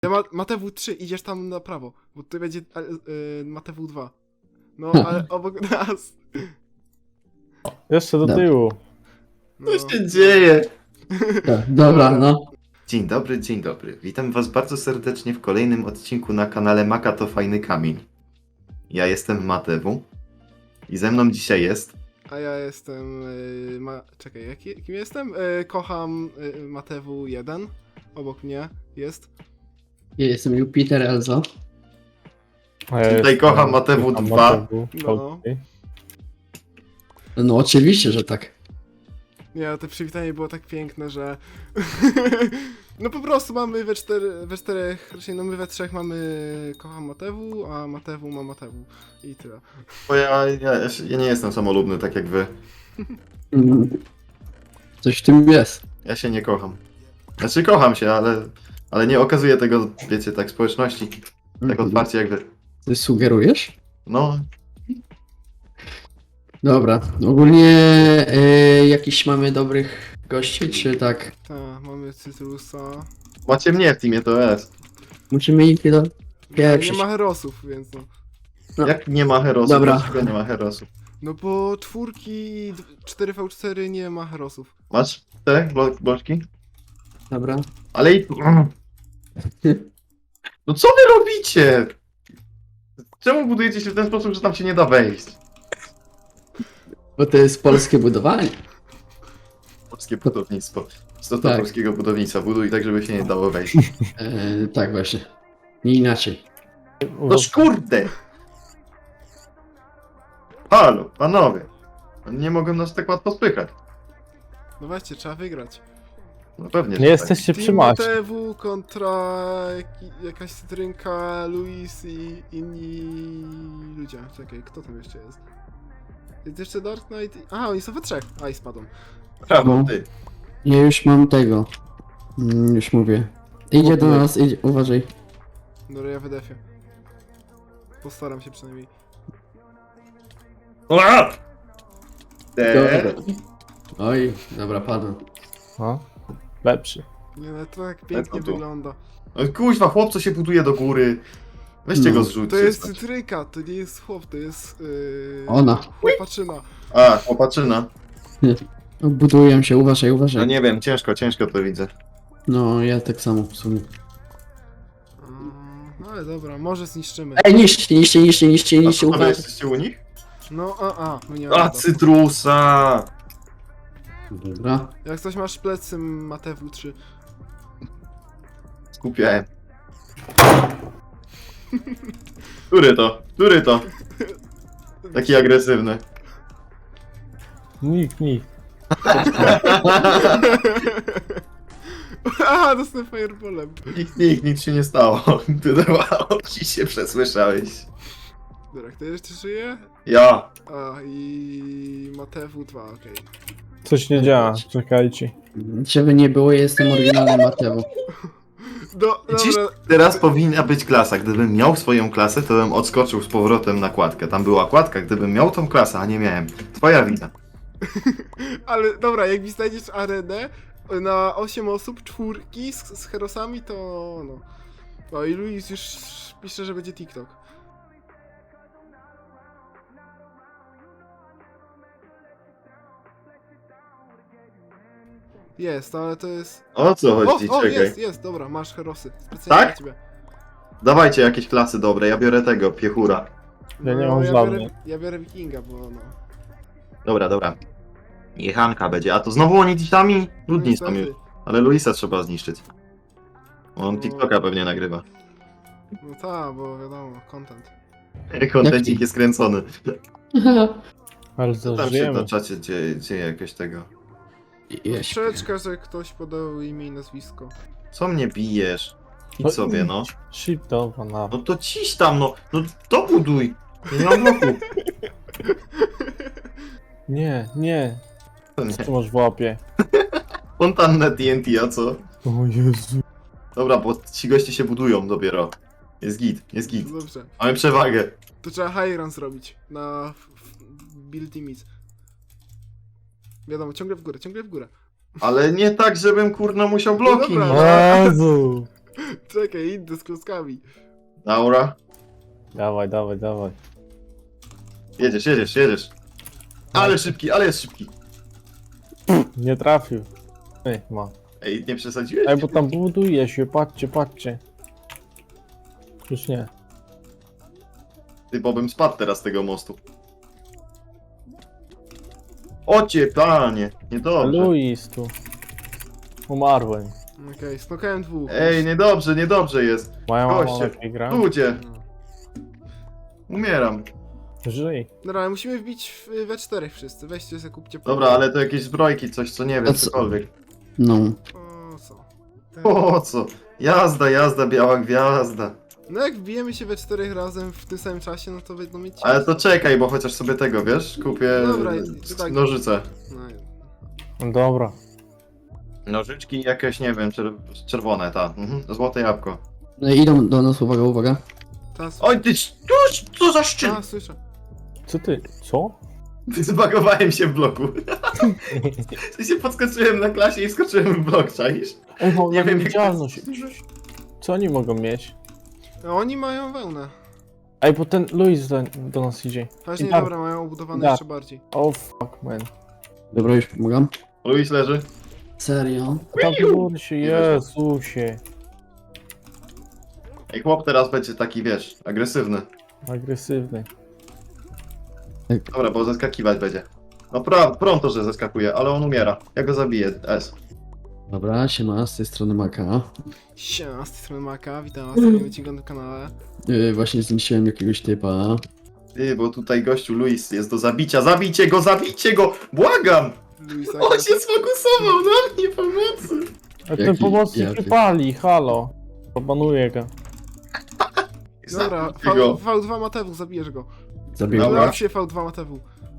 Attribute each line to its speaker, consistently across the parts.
Speaker 1: Matewu 3, idziesz tam na prawo, bo tutaj będzie Matewu 2. No, ale obok nas.
Speaker 2: Jeszcze do
Speaker 3: Dobra.
Speaker 2: tyłu.
Speaker 1: No.
Speaker 4: Co się dzieje?
Speaker 3: Dobra, no.
Speaker 4: Dzień dobry, dzień dobry. Witam was bardzo serdecznie w kolejnym odcinku na kanale Maka to fajny kamień. Ja jestem Matewu i ze mną dzisiaj jest...
Speaker 1: A ja jestem. Czekaj, kim jestem? Kocham Matewu 1. Obok mnie jest.
Speaker 3: Ja jestem Jupiter Elzo.
Speaker 2: A ja
Speaker 4: Tutaj
Speaker 2: jestem-
Speaker 4: kocham Matewu
Speaker 2: kocham
Speaker 4: 2.
Speaker 2: Matewu.
Speaker 1: No.
Speaker 2: Okej.
Speaker 3: No oczywiście, że tak.
Speaker 1: Nie, to przywitanie było tak piękne, że. No po prostu mamy we czterech, raczej no my we trzech mamy kocham Matewu, a Matewu ma Matewu. I tyle.
Speaker 4: Bo ja nie jestem samolubny tak jak wy.
Speaker 3: Mm. Coś w tym jest.
Speaker 4: Ja się nie kocham. Znaczy kocham się, ale nie okazuję tego, wiecie, tak społeczności. Tak otwarcie jak wy.
Speaker 3: Ty sugerujesz?
Speaker 4: No,
Speaker 3: Dobra. Ogólnie jakiś mamy dobrych gości, czy tak?
Speaker 1: Tak, mamy Cytrusa.
Speaker 4: macie mnie w teamie, to jest.
Speaker 3: Musimy ich do...
Speaker 1: Nie
Speaker 3: Pieprzyć.
Speaker 1: ma herosów, więc no.
Speaker 3: No.
Speaker 4: Jak nie ma herosów?
Speaker 3: Dobra.
Speaker 4: Dlaczego nie ma herosów?
Speaker 1: No bo 4v4 nie ma herosów.
Speaker 4: Masz te bloczki?
Speaker 3: Dobra.
Speaker 4: Ale i... No co wy robicie? Czemu budujecie się w ten sposób, że tam się nie da wejść?
Speaker 3: Bo to jest polskie budowanie.
Speaker 4: Polskie budownictwo. Istota
Speaker 3: Tak.
Speaker 4: polskiego budownictwa. Buduj tak, żeby się nie dało wejść.
Speaker 3: Tak właśnie. Nie inaczej.
Speaker 4: No kurde! Halo, panowie. Nie mogę nas tak łatwo spychać.
Speaker 1: No właśnie, trzeba wygrać.
Speaker 4: No pewnie,
Speaker 2: Nie
Speaker 4: że
Speaker 2: jesteście przy
Speaker 1: Team
Speaker 2: macie.
Speaker 1: Matewu kontra jakaś cytrynka, Luis i inni ludzie. Czekaj, kto tam jeszcze jest? Jest jeszcze Dark Knight. Aha, oni są we trzech. A i spadł.
Speaker 4: tak. Brawo,
Speaker 3: No.
Speaker 4: ty.
Speaker 3: Ja już mam tego. Już mówię. Idzie do nas, idzie. Uważaj.
Speaker 1: Dobra, ja wydefię. Postaram się przynajmniej.
Speaker 4: Te...
Speaker 3: Dobra. Oj, dobra, padłem.
Speaker 2: No. Lepszy.
Speaker 1: Nie, no to tak pięknie
Speaker 4: tu.
Speaker 1: wygląda.
Speaker 4: No kuźwa, chłop co się buduje do góry. Weźcie
Speaker 3: No.
Speaker 4: go zrzućcie.
Speaker 1: To jest
Speaker 4: stać.
Speaker 1: cytrynka, to nie jest chłop, to jest...
Speaker 3: Ona.
Speaker 1: Chłopaczyna.
Speaker 4: A, chłopaczyna.
Speaker 3: Buduję się, uważaj,
Speaker 4: No
Speaker 3: uważaj.
Speaker 4: nie wiem, ciężko to widzę.
Speaker 3: No, ja tak samo w sumie.
Speaker 1: No ale dobra, może zniszczymy.
Speaker 3: Ej, niszcie,
Speaker 4: A co, wy
Speaker 3: uważaj.
Speaker 4: jesteście u nich?
Speaker 1: No, no nie
Speaker 4: A,
Speaker 1: ma.
Speaker 4: cytrusa!
Speaker 3: Dobra.
Speaker 1: Jak coś masz plecy Matewu 3.
Speaker 4: Skupiałem. Który to? Który to? Taki agresywny.
Speaker 2: Nikt.
Speaker 1: Aha, dostałem fireballem.
Speaker 4: Nic się nie stało. Wydawało ci się, przesłyszałeś.
Speaker 1: Dobra, kto jeszcze żyje?
Speaker 4: Ja.
Speaker 1: A, i Matewu 2, okej.
Speaker 2: Coś nie działa, czekajcie.
Speaker 3: Żeby nie było, jestem oryginalny Mateo.
Speaker 4: Widzisz?
Speaker 1: Dobra,
Speaker 4: Teraz powinna być klasa. Gdybym miał swoją klasę, to bym odskoczył z powrotem na kładkę. Tam była kładka, gdybym miał tą klasę, a nie miałem. Twoja wina.
Speaker 1: ale dobra, jak mi znajdziesz arenę na 8 osób, czwórki z herosami, to no. No i Luis już pisze, że będzie TikTok. Jest, ale to jest...
Speaker 4: O co chodzi?
Speaker 1: O,
Speaker 4: Czekaj.
Speaker 1: jest, dobra, masz herosy. Specjalnie
Speaker 4: Tak?
Speaker 1: dla ciebie.
Speaker 4: Dawajcie jakieś klasy dobre. Ja biorę tego, piechura.
Speaker 2: Ja nie mam
Speaker 1: ja
Speaker 2: żadnej.
Speaker 1: ja biorę Wikinga, bo no.
Speaker 4: Dobra. Jechanka będzie. A to znowu oni sami? Ludni są
Speaker 1: Niestety.
Speaker 4: już. Ale Luisa trzeba zniszczyć. On
Speaker 1: No.
Speaker 4: TikToka pewnie nagrywa.
Speaker 1: No tak, bo wiadomo, content.
Speaker 4: Kontencik jest kręcony.
Speaker 2: Ale
Speaker 4: Co tam się
Speaker 2: zażyjemy.
Speaker 4: na czacie dzieje jakieś tego?
Speaker 3: Ja śpię.
Speaker 1: Troszeczkę, że ktoś podał imię i nazwisko.
Speaker 4: Co mnie bijesz?
Speaker 2: No
Speaker 4: Idź sobie, no.
Speaker 2: Shitowa na.
Speaker 4: No to ciś tam, no. No to buduj. Nie mam bloku.
Speaker 2: Nie.
Speaker 4: To nie.
Speaker 2: Co masz w łapie?
Speaker 4: Fontannę TNT, a co?
Speaker 2: O Jezu.
Speaker 4: Dobra, bo ci goście się budują dopiero. Jest git.
Speaker 1: No dobrze.
Speaker 4: Mamy przewagę.
Speaker 1: To trzeba high run zrobić na build limit. Wiadomo, ciągle w górę.
Speaker 4: Ale nie tak, żebym kurno musiał bloki.
Speaker 1: No dobra.
Speaker 4: No
Speaker 2: O Jezu.
Speaker 1: Czekaj, idę z klockami.
Speaker 4: Laura.
Speaker 2: Dawaj, dawaj, dawaj.
Speaker 4: Jedziesz. Ale szybki, ale jest szybki.
Speaker 2: Nie trafił. Ej, ma.
Speaker 4: Ej, nie przesadziłeś?
Speaker 2: Ej, bo tam buduje się, patrzcie, patrzcie. Już nie.
Speaker 4: Ty, bo bym spadł teraz z tego mostu. Ocie, panie, niedobrze.
Speaker 2: Luis tu. Umarłem.
Speaker 1: Okej, snokałem dwóch.
Speaker 4: Ej, niedobrze jest.
Speaker 2: Moja mama
Speaker 4: Goście,
Speaker 2: lepiej gra.
Speaker 4: Ludzie,
Speaker 1: No.
Speaker 4: umieram.
Speaker 2: Żyj.
Speaker 1: Dobra, ale musimy wbić we czterech wszyscy. Weźcie sobie, kupcie
Speaker 4: Dobra, ale to jakieś zbrojki, coś co nie
Speaker 3: To
Speaker 4: wiem,
Speaker 3: co?
Speaker 4: cokolwiek.
Speaker 3: No.
Speaker 1: O co?
Speaker 4: Po co? Jazda, biała gwiazda.
Speaker 1: No jak wbijemy się we czterech razem w tym samym czasie, no to będą mieć...
Speaker 4: Ale to czekaj, bo chociaż sobie tego, wiesz, kupię
Speaker 1: Dobra, tak.
Speaker 4: nożyce.
Speaker 1: No,
Speaker 2: Dobra.
Speaker 4: Nożyczki jakieś, nie wiem, czerwone, ta. Złote jabłko.
Speaker 3: No i idą do nas, uwaga, uwaga.
Speaker 1: teraz...
Speaker 4: Oj, ty, co za szczyt!
Speaker 1: A, słyszę.
Speaker 2: Co ty? Co?
Speaker 4: Zbagowałem się w bloku. W się podskoczyłem na klasie i skoczyłem w blok, czaisz?
Speaker 2: Ej, bo
Speaker 4: Nie
Speaker 2: nie
Speaker 4: wiem, jak
Speaker 2: widzialność. Co oni mogą mieć?
Speaker 1: No, oni mają wełnę.
Speaker 2: Ej, bo ten Luis do nas idzie.
Speaker 1: Ważnie,
Speaker 2: Tak.
Speaker 1: dobra, mają obudowane
Speaker 2: Tak.
Speaker 1: jeszcze bardziej.
Speaker 2: Oh fuck, man.
Speaker 3: Dobra, już pomagam.
Speaker 4: Luis leży.
Speaker 3: Serio?
Speaker 2: Tam góry się, Jezusie.
Speaker 4: Ej, chłop teraz będzie taki, wiesz, agresywny.
Speaker 2: Agresywny.
Speaker 4: Dobra, bo zeskakiwać będzie. No pronto, że zeskakuje, ale on umiera. Ja go zabiję, S.
Speaker 3: Dobra, siema, z tej strony Maka.
Speaker 1: Siema, z tej strony Maka, witam was w kolejnym odcinku na kanale.
Speaker 3: Właśnie zniszczyłem jakiegoś typa.
Speaker 4: Ty, bo tutaj gościu Luis jest do zabicia. Zabijcie go! Błagam!
Speaker 1: Luisa,
Speaker 4: On się sfokusował na mnie, pomocy!
Speaker 2: A ten
Speaker 3: Jaki
Speaker 2: pomocnik
Speaker 3: jaki?
Speaker 2: nie pali, halo. Obanuję go.
Speaker 1: Dobra,
Speaker 4: Zabijcie go.
Speaker 1: V2 Matewu, zabijesz go.
Speaker 3: Zabiłem.
Speaker 4: Dobra.
Speaker 1: Lew się V2 Matewu.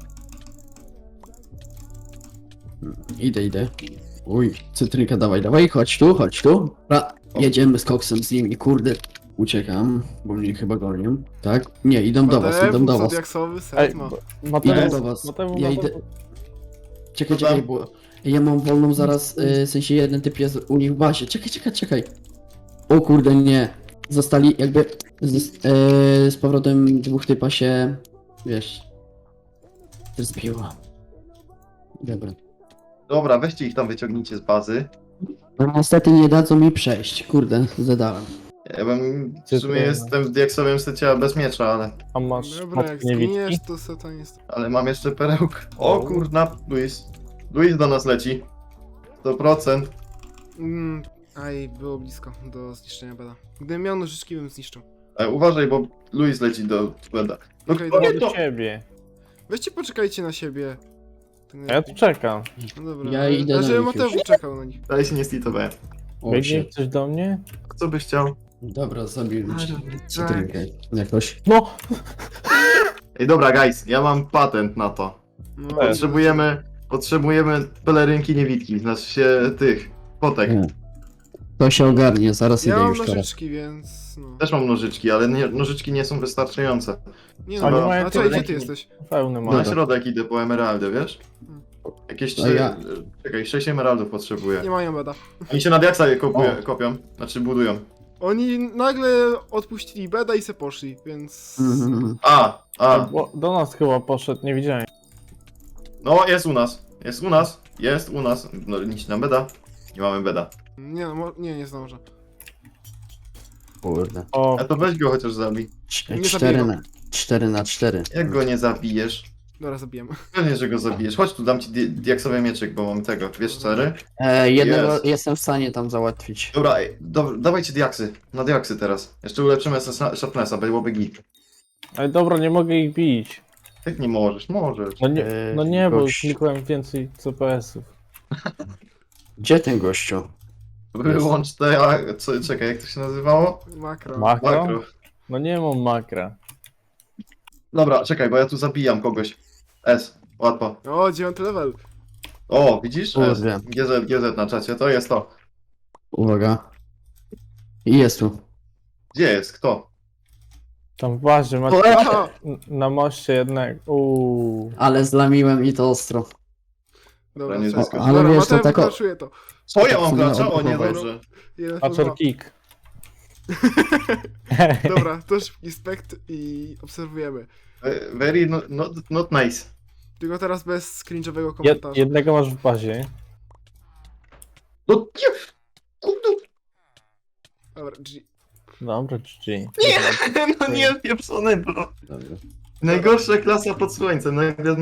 Speaker 3: Idę. Uj, cytrynka, dawaj, chodź tu. Jedziemy z koksem z nimi, kurde. Uciekam, bo mnie chyba gonią. Tak? Nie, idą do was.
Speaker 1: Zodiaksowy set
Speaker 2: Ej,
Speaker 1: ma.
Speaker 3: Idę
Speaker 2: Mateusz,
Speaker 3: do was.
Speaker 2: Mateusz,
Speaker 3: Ja idę. Czekaj, bo ja mam wolną zaraz, w sensie jeden typ jest u nich w bazie. Czekaj. O kurde, nie. Zostali jakby z powrotem dwóch typa się, wiesz, zbiło.
Speaker 4: Dobra, weźcie ich tam, wyciągnijcie z bazy.
Speaker 3: No niestety nie dadzą mi przejść, kurde, zadałem.
Speaker 4: Ja bym w
Speaker 2: Ty
Speaker 4: sumie
Speaker 2: to-
Speaker 4: jestem w diaksowym secie bez miecza,
Speaker 2: A masz
Speaker 1: Dobra, jak
Speaker 2: matki niewidki?
Speaker 1: zginiesz, to seta jest...
Speaker 4: ale mam jeszcze perełkę. O
Speaker 2: O.
Speaker 4: kurna, Luis do nas leci. 100%.
Speaker 1: Aj, było blisko do zniszczenia beda. Gdybym miał nożyczki, bym zniszczył.
Speaker 4: Uważaj, bo Luis leci do Beda. No
Speaker 1: Okej,
Speaker 4: kto
Speaker 1: dobra.
Speaker 4: nie
Speaker 2: Do
Speaker 4: to?
Speaker 2: ciebie.
Speaker 1: Weźcie, poczekajcie na siebie. Tak
Speaker 2: A ja tu czekam.
Speaker 1: No dobra.
Speaker 3: Ja idę na
Speaker 1: Znaczy,
Speaker 3: nich
Speaker 1: Mateusz
Speaker 3: już.
Speaker 1: czekał na nich.
Speaker 4: Dalej się nie slitowałem.
Speaker 3: O,
Speaker 2: Biegnie
Speaker 3: shit.
Speaker 2: coś do mnie?
Speaker 4: Co byś chciał?
Speaker 3: Dobra, zabiłem
Speaker 1: Ale
Speaker 3: cytrynkę jakoś.
Speaker 2: No!
Speaker 4: Ej, dobra, guys, ja mam patent na to.
Speaker 1: No,
Speaker 4: Potrzebujemy pelerynki niewidki, znaczy się tych, potek.
Speaker 3: Nie. To się ogarnie, zaraz
Speaker 1: Ja
Speaker 3: idę
Speaker 1: mam
Speaker 3: już teraz.
Speaker 1: nożyczki, więc no.
Speaker 4: Też mam nożyczki, ale nożyczki nie są wystarczające.
Speaker 1: Nie
Speaker 2: Ale
Speaker 1: no,
Speaker 2: mają
Speaker 1: a czekaj, gdzie
Speaker 2: tyle.
Speaker 1: ty jesteś?
Speaker 2: Pełny
Speaker 4: Na
Speaker 2: ma.
Speaker 4: środek idę po emeraldę, wiesz? Jakieś
Speaker 3: A ja-
Speaker 4: Czekaj, 6 emeraldów potrzebuję.
Speaker 1: Nie mają beda.
Speaker 4: Oni się na diaksa je
Speaker 3: O.
Speaker 4: kopią, znaczy budują.
Speaker 1: Oni nagle odpuścili beda i se poszli, więc...
Speaker 3: Mhm.
Speaker 2: Bo do nas chyba poszedł, nie widziałem.
Speaker 4: No, jest u nas. No, nic nam beda. Nie mamy beda.
Speaker 1: Nie no, nie zdążę.
Speaker 3: Kurde.
Speaker 2: O,
Speaker 4: A to weź go chociaż zabij.
Speaker 1: Nie
Speaker 3: 4 na 4.
Speaker 4: Jak go nie zabijesz?
Speaker 1: Dobra, zabijemy.
Speaker 4: Pewnie, że go zabijesz. Chodź tu, dam ci diaksowy mieczyk, bo mam tego, wiesz, 4.
Speaker 3: Jednego
Speaker 4: Jest.
Speaker 3: jestem w stanie tam załatwić.
Speaker 4: Dobra, dawajcie diaksy. Na diaksy teraz. Jeszcze ulepszymy sharpnessa, byłoby git.
Speaker 2: ale dobra, nie mogę ich bić.
Speaker 4: Jak nie możesz? Możesz.
Speaker 2: No nie, bo
Speaker 3: gość.
Speaker 2: klikłem więcej CPS-ów.
Speaker 3: Gdzie ten gościu?
Speaker 4: Wyłącz te, czekaj, jak to się nazywało?
Speaker 1: Makro.
Speaker 2: Makro?
Speaker 4: Makro.
Speaker 2: No nie mam makra.
Speaker 4: Dobra, czekaj, bo ja tu zabijam kogoś. S, łatwo.
Speaker 1: O, 9 level.
Speaker 4: O, widzisz? S.
Speaker 3: Kurde.
Speaker 4: GZ na czacie, to jest to.
Speaker 3: Uwaga. I jest tu.
Speaker 4: Gdzie jest? Kto?
Speaker 2: Tam w bazie macie
Speaker 1: Aha!
Speaker 2: na moście jednak.
Speaker 3: Ale zlamiłem i to ostro.
Speaker 1: Dobra,
Speaker 4: nie
Speaker 1: czekaj.
Speaker 4: zyskał.
Speaker 3: Ale
Speaker 1: Dobra,
Speaker 3: wiesz, to
Speaker 1: Mateusz
Speaker 3: tak o-
Speaker 1: wykraszuje to.
Speaker 4: Co ja mam
Speaker 3: Co
Speaker 4: gracza?
Speaker 3: miało
Speaker 4: O nie,
Speaker 3: próbować.
Speaker 4: dobrze.
Speaker 1: 1
Speaker 2: Patcher kick.
Speaker 1: Dobra, to szybki spekt i obserwujemy.
Speaker 4: Very not nice.
Speaker 1: Tylko teraz bez cringe'owego komentarza.
Speaker 2: Jednego masz w bazie.
Speaker 4: No nie! Kurde!
Speaker 1: Dobra, G.
Speaker 2: Dobra, GG.
Speaker 4: No nie, pieprzony, bro.
Speaker 3: Dobra.
Speaker 4: Najgorsza klasa pod słońcem. Nagle